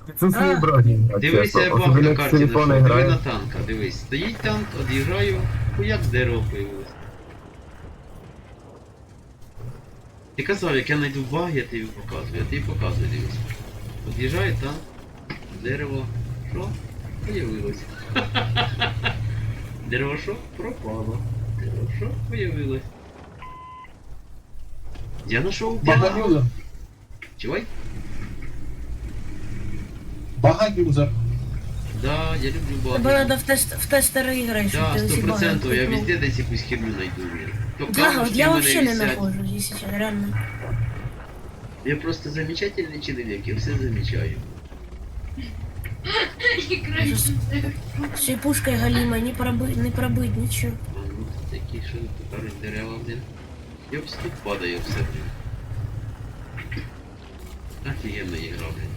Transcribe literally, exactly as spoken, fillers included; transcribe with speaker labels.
Speaker 1: Відсутствує
Speaker 2: А.
Speaker 1: броні.
Speaker 3: Дивися, я баг
Speaker 1: Особливо
Speaker 3: на
Speaker 1: як
Speaker 3: карті
Speaker 1: телефони
Speaker 3: знайшов. Диви на
Speaker 1: грає.
Speaker 3: танка, дивись. Стоїть танк, од'їжджаю, хуяк дерево появилось. Ти казав, як я знайду баг, я тобі показую. Я тобі показую, дивись. Од'їжджає танк, дерево. Що? Появилось. Дерево що? Пропало. Дерево що? Появилось. Я знайшов баг.
Speaker 4: Бага-юзер.
Speaker 3: Чувай?
Speaker 4: Бага-юзер.
Speaker 3: Да, я люблю
Speaker 2: Тебе
Speaker 3: баги.
Speaker 2: треба в, тест, в тестери ігри, щоб
Speaker 3: Да,
Speaker 2: ти
Speaker 3: сто
Speaker 2: усі баги
Speaker 3: процентов. Я
Speaker 2: купив.
Speaker 3: везде десь якусь херню найду, блин. То
Speaker 2: Да, от
Speaker 3: камушки
Speaker 2: я
Speaker 3: в мене
Speaker 2: вообще не
Speaker 3: висять.
Speaker 2: нахожу, если честно, реально.
Speaker 3: Я просто замечательный человек, я все замечаю.
Speaker 2: З цією пушкою галімою не пробить, не пробить, нічого.
Speaker 3: А ну тут такі, що тут кажуть, дерева, блин. Йопс, тут падає все, блин. Офігенна ігра, блин.